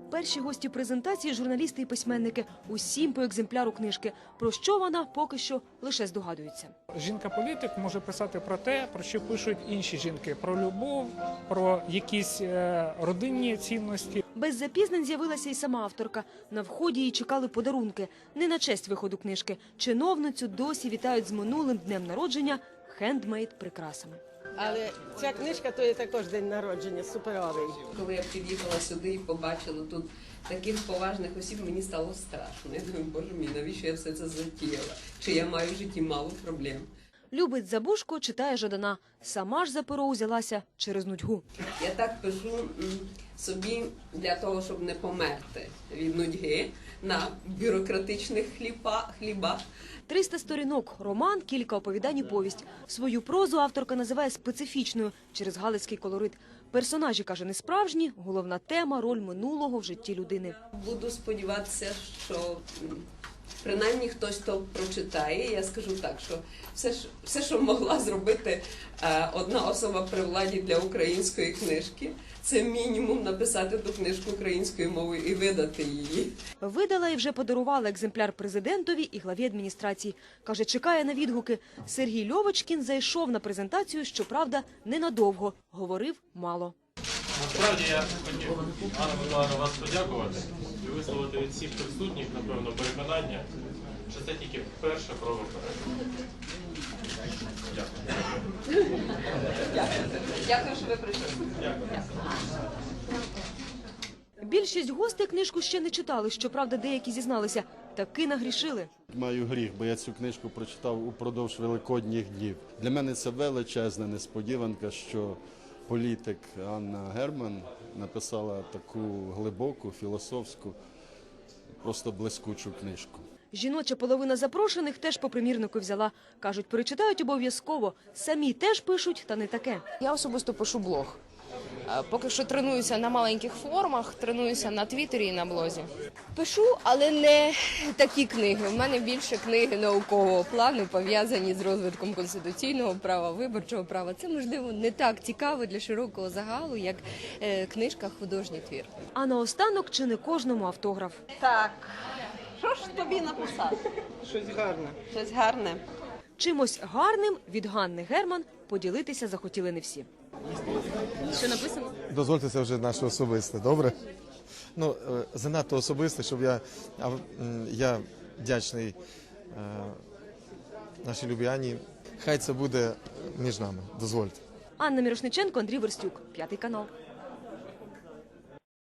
Перші гості презентації – журналісти і письменники. Усім по екземпляру книжки. Про що вона поки що лише здогадується. Жінка-політик може писати про те, про що пишуть інші жінки. Про любов, про якісь родинні цінності. Без запізнень з'явилася і сама авторка. На вході їй чекали подарунки. Не на честь виходу книжки. Чиновницю досі вітають з минулим днем народження хендмейд прикрасами. Але ця книжка – то є також день народження, суперовий. Коли я під'їхала сюди і побачила тут таких поважних осіб, мені стало страшно. Я думаю, боже мій, навіщо я все це затіяла? Чи я маю в житті мало проблем? Любить Забушко, читає Жадана. Сама ж за перо узялася через нудьгу. Я так пишу собі для того, щоб не померти від нудьги на бюрократичних хлібах. 300 сторінок, роман, кілька оповідань і повість. Свою прозу авторка називає специфічною через галицький колорит. Персонажі, каже, не справжні, головна тема – роль минулого в житті людини. Буду сподіватися, що принаймні хтось то прочитає. Я скажу так, що все, що могла зробити одна особа при владі для української книжки, це мінімум написати ту книжку українською мовою і видати її. Видала і вже подарувала екземпляр президентові і главі адміністрації. Каже, чекає на відгуки. Сергій Льовочкін зайшов на презентацію, щоправда, ненадовго. Говорив мало. Насправді я хотів, Анна Миколаївна, вас подякувати і висловити від всіх присутніх, напевно, переконання, що це тільки перша проба перегляду. Дякую. Дякую, що ви прийшли. Більшість гостей книжку ще не читали, щоправда, деякі зізналися. Таки нагрішили. Маю гріх, бо я цю книжку прочитав упродовж великодніх днів. Для мене це величезна несподіванка, що політик Анна Герман написала таку глибоку, філософську, просто блискучу книжку. Жіноча половина запрошених теж по примірнику взяла. Кажуть, перечитають обов'язково. Самі теж пишуть, та не таке. Я особисто пишу блог. Поки що тренуюся на маленьких формах, тренуюся на Твіттері і на блозі. Пишу, але не такі книги. У мене більше книги наукового плану, пов'язані з розвитком конституційного права, виборчого права. Це, можливо, не так цікаво для широкого загалу, як книжка «Художній твір». А наостанок чи не кожному автограф. Так, що ж тобі написати? Щось гарне. Щось гарне. Чимось гарним від Ганни Герман поділитися захотіли не всі. Що написано? Дозвольте, це вже наше особисте, добре? Ну, занадто особисте, щоб я вдячний нашій любій Анні. Хай це буде між нами, дозвольте. Анна Мірошниченко, Андрій Верстюк, 5 канал.